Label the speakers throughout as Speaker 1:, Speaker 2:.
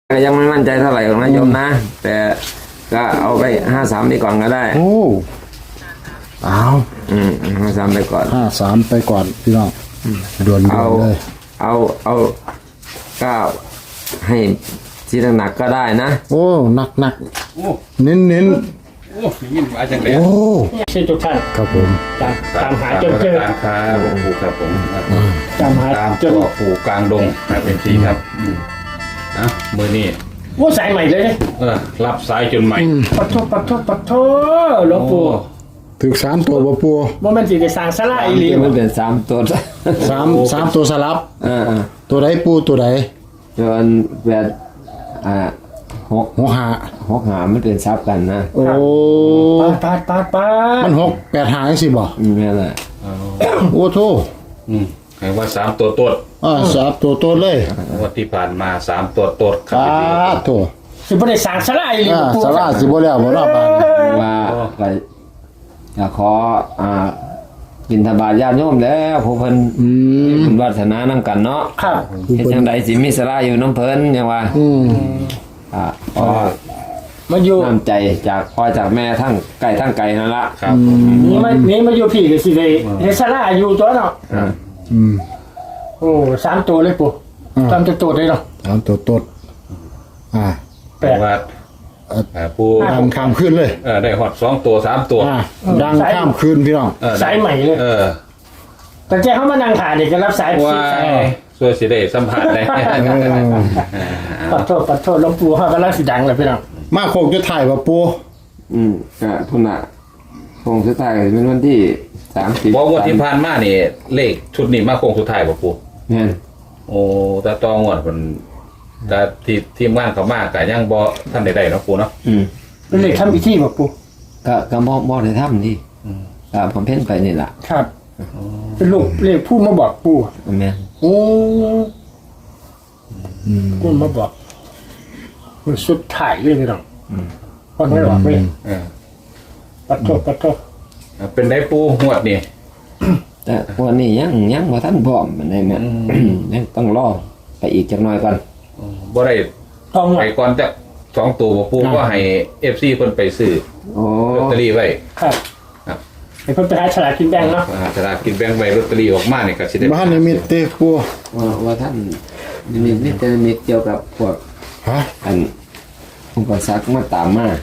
Speaker 1: ก็ยังไม่มั่นใจเท่าไหร่ของนายโยมนะแต่ก็เอาไป53นี่ก่อนก็ได้
Speaker 2: โอ้เอา
Speaker 1: 53ไปก่อน
Speaker 2: 53ไปก่อนพี่น้องด่วนๆเลย
Speaker 1: เอาก็ให้ที่หนักก็ได้นะ
Speaker 2: โอ้หนักเน้น
Speaker 3: โอ้ยินมาจังเลย
Speaker 2: โอ้
Speaker 4: ชื่อทุกท่าน
Speaker 2: ครับผม
Speaker 4: ตามหาจนเจอ
Speaker 3: ครับปู่ครับผม
Speaker 4: ตามหาจน
Speaker 3: ปู่กลางดงครับเป็นทีครับมือนี่
Speaker 4: ว่าสายใหม่เลย
Speaker 3: รับสายจนใหม่
Speaker 4: ปัดโทหลวงปู่
Speaker 2: ถึง3ตัวบ่ปู่
Speaker 4: ว่ามันสิได้สร้างศาลาอีหลี
Speaker 1: มันเป็น3ตัว
Speaker 2: 3ตัวสลับตัวใดปู่ตัวใด
Speaker 1: จนแบบ6 5มันเป็นซับกันนะ
Speaker 2: โอ้
Speaker 4: ปาด
Speaker 2: มัน6 8 5จังซี่บ่
Speaker 1: นั่นแหละ
Speaker 2: โอ้โธ่
Speaker 3: ให้ว่า3ตัวตด
Speaker 2: 3ตัวตดเลย
Speaker 3: วันที่ผ่านมา3ตัวตด
Speaker 2: ครับโธ่
Speaker 4: สิบ่ได้สร้างศาลาอีหลีปู่
Speaker 2: ศาลาสิบ่แล้วบ่รอบบ้าน
Speaker 1: ว่าขอบิณฑบาตญาติโยมแล้วผู้เพิ่นบุญวาสนานำกันเนาะ
Speaker 4: ครับ
Speaker 1: เฮ็ดจังได๋สิมีศาลาอยู่น้ำเพิ่นหยังว่า
Speaker 4: มาอยู่
Speaker 1: น้ำใจจากพ่อจากแม่ทั้งไก่นั่นละ
Speaker 3: ครับ
Speaker 4: นี่มาอยู่พี่ก็สิได้เฮ็ดศาลาอยู่ตัวเนาะโอ้3ตัวเลยปู่3ตัวเลยเนาะ
Speaker 2: 3ตัวตด
Speaker 4: แปลก
Speaker 3: ปู่
Speaker 2: ดังข้ามคืนเลย
Speaker 3: ได้ฮอด2ตัว3ตัว
Speaker 2: ดังข้ามคืนพี่น้อง
Speaker 4: สายใหม่เลยแต่แกเขามานั่งถ่ายนี่ก็รับสาย
Speaker 3: ว่าสวยสิได้สัมผัสได้
Speaker 4: ปัดโทษหลวงปู่เฮาก็ลังสิดังแล้วพี่น้อง
Speaker 2: มาโคงจะถ่ายบ่ปู่
Speaker 1: ก็พุ่นน่ะโคงสุดท้ายเป็นวันที่30
Speaker 3: บ่วันที่ผ่านมานี่เลขชุดนี้มาโคงสุดท้ายบ่ปู่
Speaker 1: แม่น
Speaker 3: โอ้ตาตองวดเพิ่นแต่ทีมงานเขามากก็ยังบ่ทันได้เนาะปู่เนาะ
Speaker 4: เป็นเลขทำพิธีบ่ปู่
Speaker 1: ก็บ่ได้ทำนี่ผมเพ่นไปนี่ล่ะ
Speaker 4: ครับเป็นลูกเลขผู้มาบอกปู่
Speaker 1: แม่น
Speaker 4: โอ้ผู้มาบอกมันสุดท้ายเลยพี่น้องคนไม่บอกเลยปัดโทษ
Speaker 3: เป็นได้ปู่หวดนี่
Speaker 1: แต่วันนี้ยังบ่ทันพร้อมมันได้แม่ยังต้องรอไปอีกจักหน่อยก่อน
Speaker 3: บ่ได้ต้องไปก่อนจัก2ตัวบ่ปู่ก็ให้ FC เพิ่นไปซื้อลอตเตอรี่ไว้
Speaker 4: ครับให้เพิ่นไปหาฉลากกินแบ่งเนาะ
Speaker 3: ฉลากกินแบ่งไว้ลอตเตอรี่ออกมานี่ก็สิได้
Speaker 2: บ้านนิมิตเตปู่
Speaker 1: ว่าท่านนิมิตเกี่ยวกับพวกอันอุปสรรคมาตามมา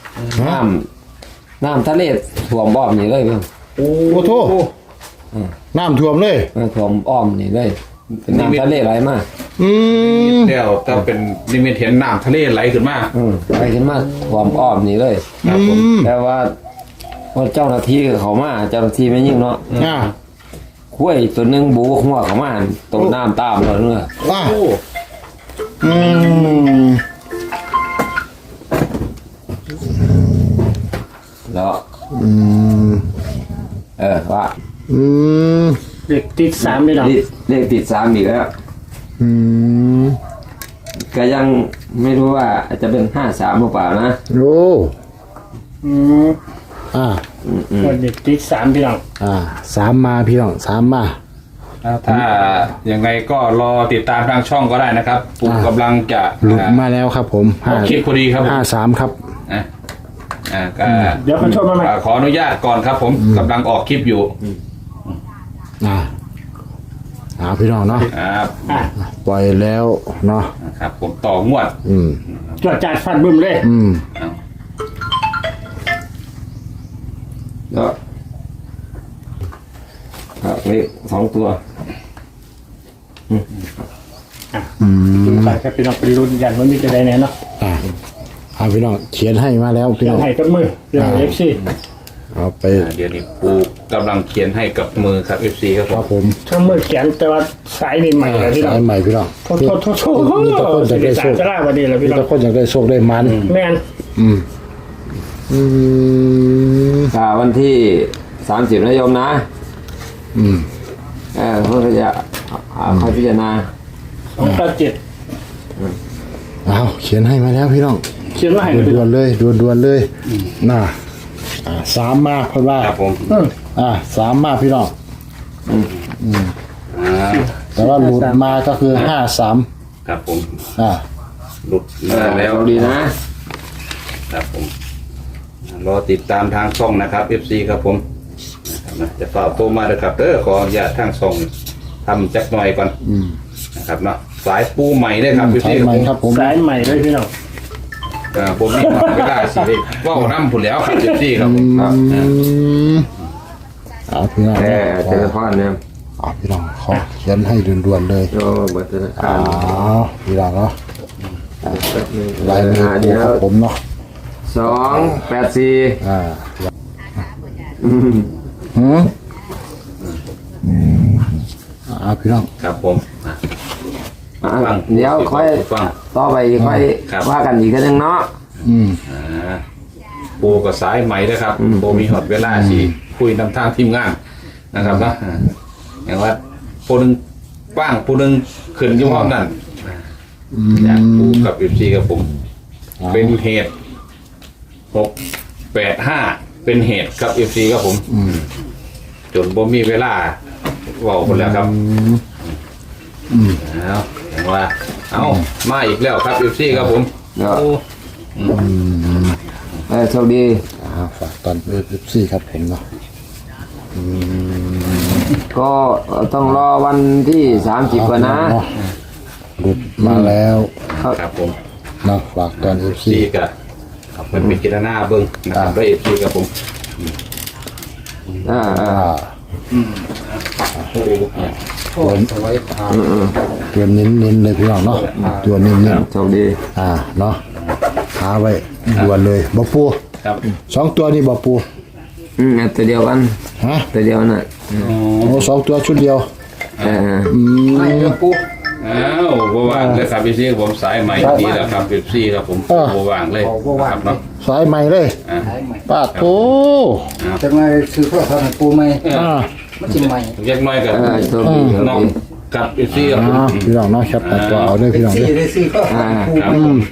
Speaker 1: น้ำทะเลท่วมอ้อมนี่เลยเพิ่น
Speaker 2: โอ้โธ่น้ำท่วมเลย
Speaker 1: ท่วมอ้อมนี่เลยเป็นน้ำทะเลไหลมา
Speaker 3: เดี๋ยวถ้าเป็นนิมิตเห็นน้ำทะเลไหลขึ้นมา
Speaker 1: ไหลขึ้นมาท่วมอ้อมนี่เลยแต่ว่าเจ้าหน้าที่เขามาเจ้าหน้าที่ไม่ยิ่งเนาะคุ้ยตัวนึงบูหัวเขามาตรงน้ำตามเราเนื้อแล้วว่า
Speaker 4: เลขติด3เลยเนาะ
Speaker 1: เลขติด3อีกแล้วก็ยังไม่รู้ว่าจะเป็น53หรือเปล่านะ
Speaker 2: โอ้
Speaker 4: เด็กติด3พี่น้อง
Speaker 2: 3มาพี่น้อง3มา
Speaker 3: ถ้ายังไงก็รอติดตามทางช่องก็ได้นะครับปู่กำลังจะ
Speaker 2: หลุดมาแล้วครับผม
Speaker 3: คลิปพอดีครับ
Speaker 2: 53ครับ
Speaker 4: เดี๋ยวคุณชมมาใหม่
Speaker 3: ขออนุญาตก่อนครับผมกำลังออกคลิปอยู่
Speaker 2: พี่น้องเนาะปล่อยแล้วเนาะ
Speaker 3: ครับผมต่องวด
Speaker 4: จวดจัดฟันบึ้มเลย
Speaker 1: แล้วเลข2ตัว
Speaker 4: ไปครับพี่น้องไปลุ้นยันว่ามีจะได้แน่เนาะ
Speaker 2: พี่น้องเขียนให้มาแล้วพี่น้อง
Speaker 4: ให้กับมือพี่น้อง FC
Speaker 2: เอาไป
Speaker 3: เดี๋ยวนี้ปู่กำลังเขียนให้กับมือครับ FC ครับ
Speaker 2: ผม
Speaker 4: ทั้งมือเขียนแต่ว่าสายนี่ใหม่แล้วพี่น้อง
Speaker 2: สายใหม่พี่น้อง
Speaker 4: โทษมีแต่คนอยากได้โชควันนี้แล้วพี่น้อง
Speaker 2: มีแต่คนอยากได้โชคได้มัน
Speaker 4: แม่น
Speaker 1: วันที่30นะโยมนะเพื่อจะค่อยพิจารณา
Speaker 4: 297
Speaker 2: เขียนให้มาแล้วพี่น้อง
Speaker 4: เขียนมาให้
Speaker 2: ด่วนเลยน่ะ3มาเพิ่นว่า
Speaker 3: ครับผม
Speaker 2: 3มาพี่น้องแต่ว่าหลุดมาก็คือ53
Speaker 3: ครับผมหลุดมาแล้ว
Speaker 1: ดีนะครับ
Speaker 3: ผมรอติดตามทางช่องนะครับ FC ครับผมนะครับจะฝากโทรมาเลยครับขออนุญาตทางช่องทำจักหน่อยก่อนนะครับเนาะสายปูใหม่เลยครับ FC
Speaker 2: ใช่ไหมครับผม
Speaker 4: สายใหม่เลยพี่น้อง
Speaker 3: ผมมีเวลาสิว่าน้ำผุนแล้วครับ FC ครับผม
Speaker 2: เอาพี่น้อง
Speaker 1: แต่เจอพ่อเนี่ย
Speaker 2: เอาพี่น้องขอเขียนให้ด่วนๆเลย
Speaker 1: โยเบิดธนาคา
Speaker 2: เอา
Speaker 1: ร
Speaker 2: พี่น้องเนาะลายมือ
Speaker 1: เดี๋ยว
Speaker 2: ของผมเนาะ
Speaker 1: 284
Speaker 2: อ่า
Speaker 1: อืม
Speaker 2: หืมเอาพี่น้อง
Speaker 3: ครับผม
Speaker 1: อ่ะเดี๋ยวค่อย
Speaker 3: ฟัง
Speaker 1: ต่อไปค่อย
Speaker 3: ครับ
Speaker 1: ว่ากันอีกทีนึงเนาะ
Speaker 3: ปูกับสายใหม่ด้วยครับโบมีหอดเวลาสิคุยนำทางทีมงานนะครับนะอย่างว่าปูนึงป้างปูนึงขึ้นอยุ่งห้องนั่นจากปูกับFCกับผม เป็นเหตุ685เป็นเหตุกับ FC ครับผมจนบ่มีเวลาเว้าคนแล้วครับเอาอย่างว่าเอามาอีกแล้วครับ FC ครับผม
Speaker 1: เดี๋ยว
Speaker 3: โอ้
Speaker 1: โชคดี
Speaker 2: ฝากตอนเอฟซีครับผมเนาะ
Speaker 1: ก็ต้องรอวันที่30ก่อนนะ
Speaker 2: หลุดมาแล้ว
Speaker 3: ครับผม
Speaker 2: เนาะฝากตอนเอฟซี
Speaker 3: ซีกับเป็นพิจารณาเบิ้งนะครับด้วย FC กับผม
Speaker 1: อ่า
Speaker 2: ตัวตัวเน้นๆเลยพี่น้องเนาะตัวเน้น
Speaker 1: โชคดี
Speaker 2: เนาะหาไว้ด่วนเลยบ่ปู
Speaker 3: ครับ
Speaker 2: 2ตัวนี่บ่ปู
Speaker 1: ตัวเดียวกัน
Speaker 2: ฮะ
Speaker 1: ตัวเดียวน่ะ
Speaker 2: โอ้2ตัวชุดเดียว
Speaker 4: ไม่เดี๋ยวปู
Speaker 3: อ้าวบ่ว่างเลยครับ FC กับผมสายใหม่ดีแล้วครับ FC ครับผมบ่ว่างเลยครับเนาะ
Speaker 2: สายใหม่เลย ป้าโต
Speaker 5: จะมาซื้อเพื่อทำปูไหม มันจริงไหม
Speaker 3: แยกน้อยกับ
Speaker 1: โชคดีโชค
Speaker 3: น้อง
Speaker 1: ดี
Speaker 3: กับ FC กับผม
Speaker 2: พี่น้องเนาะครับตัดตัวเอาด้วยพี่น้อง
Speaker 5: ที่
Speaker 2: เด้อ
Speaker 5: ได้ซื้อเพื่อทำปู
Speaker 3: ครับ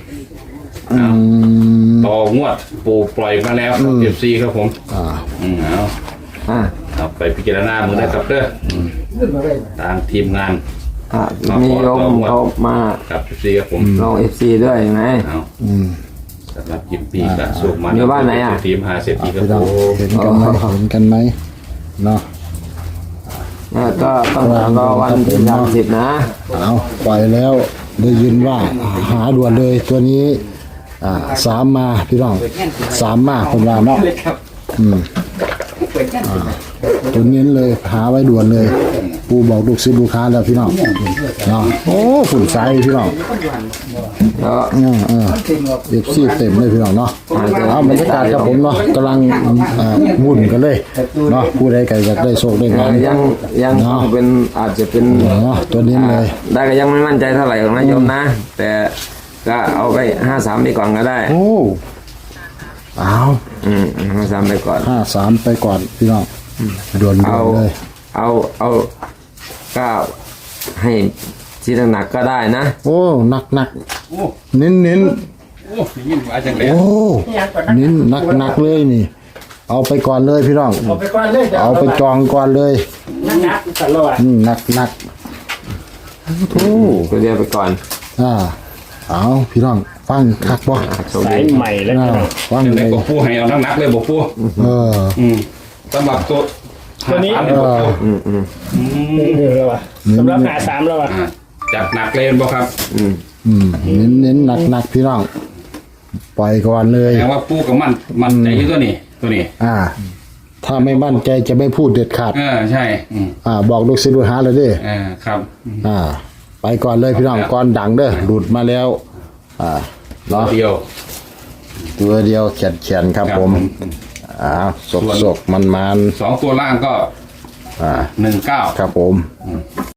Speaker 3: ต่องวดปูปล่อยมาแล้วครับ FC ครับผมเอา
Speaker 1: อ่า
Speaker 3: เอาไปพิจารณามือได้ครับเด้อ
Speaker 5: ขึ้นมาได้
Speaker 3: ทางทีมงาน
Speaker 1: มีโยมเขามา
Speaker 3: กับ FC ครับผม
Speaker 1: ลอง FC ด้วยไง
Speaker 3: เอาสำหรับยิมปีกับสุกมัน
Speaker 1: อยู่บ้านไหนอ่ะ
Speaker 3: ทีมหาเศรษฐีครับ
Speaker 2: พี่น้อง
Speaker 3: ผม
Speaker 2: เห็นกันไหมเห็นกันไหมเนาะ
Speaker 1: ก็ต้องรอวันที่30นะ
Speaker 2: เอาปล่อยแล้วได้ยินว่าหาด่วนเลยตัวนี้3มาพี่น้อง3มาผมว่าเนาะ
Speaker 5: เลยครับ
Speaker 2: ตัวเน้นเลยหาไว้ด่วนเลย ปูบอกลูกศิษย์ลูกค้าแล้วพี่น้องเนาะโอ้ฝุ่นใสพี่น้อง
Speaker 1: ก็
Speaker 5: จริงหรอก
Speaker 2: เอฟซีเต็มเลยพี่น้องเนาะเอาบรรยากาศกับผมเนาะกำลังวุ่นกันเลยเนาะผู้ใดก็อยากได้โชคได้งาน
Speaker 1: ยังต้องเป็นอาจจะเป็น
Speaker 2: เนาะตัวเน้นเลย
Speaker 1: ได้ก็ยังไม่มั่นใจเท่าไหร่ของนายโยมนะ แต่ก็เอาไป53ไปก่อนก็ได้
Speaker 2: โอ้เอา
Speaker 1: 53ไปก่อน
Speaker 2: 53ไปก่อนพี่น้องด่วน
Speaker 1: เอา
Speaker 2: เลย
Speaker 1: เอาก็ให้ที่หนักๆก็ได้นะ
Speaker 2: โอ้หนักเน้น
Speaker 3: โอ้ยยินว่าจังได๋
Speaker 2: โอ้เน้นหนักเลยนี่ เอาไปก่อนเลยพี่น้อง
Speaker 4: เอาไปก่อนเลย
Speaker 2: เอาไปจองก่อนเลย
Speaker 4: นักๆตลอด
Speaker 2: หนักโอ้
Speaker 1: ก็เดียวไปก่อน
Speaker 2: เอาพี่น้องฟังคักบ่
Speaker 1: โชค
Speaker 4: สา
Speaker 1: ดี
Speaker 4: ยใหม่แล้ว
Speaker 2: ฟัง
Speaker 3: จัง
Speaker 2: เล
Speaker 3: ได๋
Speaker 2: ย
Speaker 3: บ่ปูให้เอานักๆเลยบ่ปู สำหรับตัว
Speaker 4: ตัวนี้
Speaker 3: 53นี่บ่ปู
Speaker 4: เดี๋ยวแล้ววะสำหรับหา3แล้ววะ
Speaker 3: จัดหนักเลยบ่ครับ
Speaker 2: เน้นหนักพี่น้องปล่อยก่อนเลย
Speaker 3: แปลว่าปูกับมันใจอยู่ตัวนี้
Speaker 2: ถ้าไม่มั่นใจจะไม่พูดเด็ดขาด
Speaker 3: ใช่
Speaker 2: บอกลูกศิษย์ลูกหาเลยเด้
Speaker 3: ครับ
Speaker 2: ไปก่อนเลยพี่น้องก่อนดังเด้อหลุดมาแล้วเนาะ
Speaker 3: เดียว
Speaker 2: ตัวเดียวเขียนครับผมสกมัน
Speaker 3: 2ตัวล่างก็19
Speaker 2: ครับผม